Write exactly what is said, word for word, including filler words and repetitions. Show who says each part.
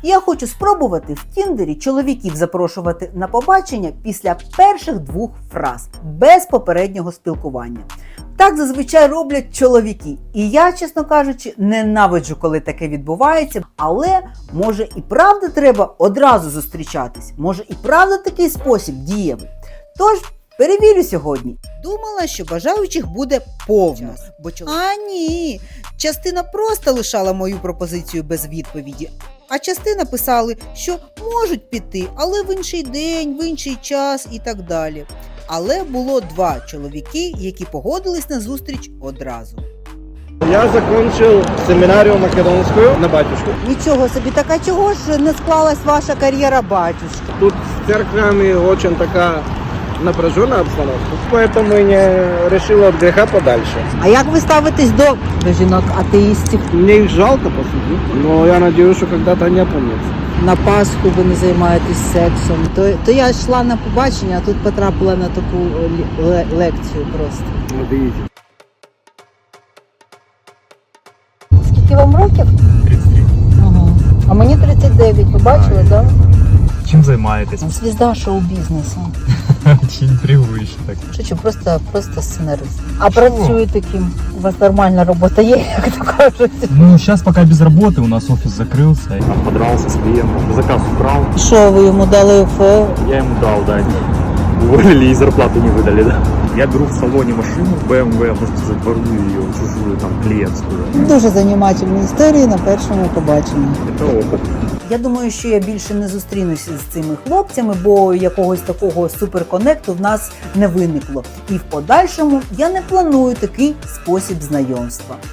Speaker 1: Я хочу спробувати в Тіндері чоловіків запрошувати на побачення після перших двох фраз, без попереднього спілкування. Так зазвичай роблять чоловіки. І я, чесно кажучи, ненавиджу, коли таке відбувається. Але, може і правда треба одразу зустрічатись? Може і правда такий спосіб дієвий? Тож, перевірю сьогодні. Думала, що бажаючих буде повно. Бо чол... А ні, частина просто лишала мою пропозицію без відповіді. А частина писали, що можуть піти, але в інший день, в інший час і так далі. Але було два чоловіки, які погодились на зустріч одразу.
Speaker 2: Я закончил семинарию македонскую на батюшку.
Speaker 1: Нічого собі, так а чого ж не склалась ваша кар'єра батюшки?
Speaker 2: Тут с церквями очень такая напряженная обстановка, поэтому я решил от греха подальше.
Speaker 1: А як ви ставитесь до, до жінок-атеїстів?
Speaker 2: Мне их жалко, по сути, но я надеюсь, что когда-то они опомнятся.
Speaker 1: На Пасху ви не займаєтесь сексом. То, то я йшла на побачення, а тут потрапила на таку ле- лекцію просто.
Speaker 2: Вот видите.
Speaker 1: Скільки вам років?
Speaker 3: тридцять три.
Speaker 1: Ага. А мені тридцять дев'ять, ви бачили, так?
Speaker 3: Чим займаєтесь?
Speaker 1: Звізда шоу-бізнесу.
Speaker 3: Очень привично так.
Speaker 1: Шучу, просто, просто сценарист. А працюєте ким? У вас нормальна робота є, як то кажуть.
Speaker 3: Ну, сейчас пока без работы, у нас офис закрылся. Я там подрался с клиентом, заказ украл.
Speaker 1: Що, ви йому дали ФО?
Speaker 3: Я ему дал, да, уволили и зарплату не выдали, да. Я беру в салоне машину бэ эм вэ, можно сказать, ворую ее, чужую, там, клиентскую.
Speaker 1: Дуже занімательні історії на першому побаченні.
Speaker 3: Это опыт.
Speaker 1: Я думаю, що я більше не зустрінуся з цими хлопцями, бо якогось такого суперконекту в нас не виникло. І в подальшому я не планую такий спосіб знайомства.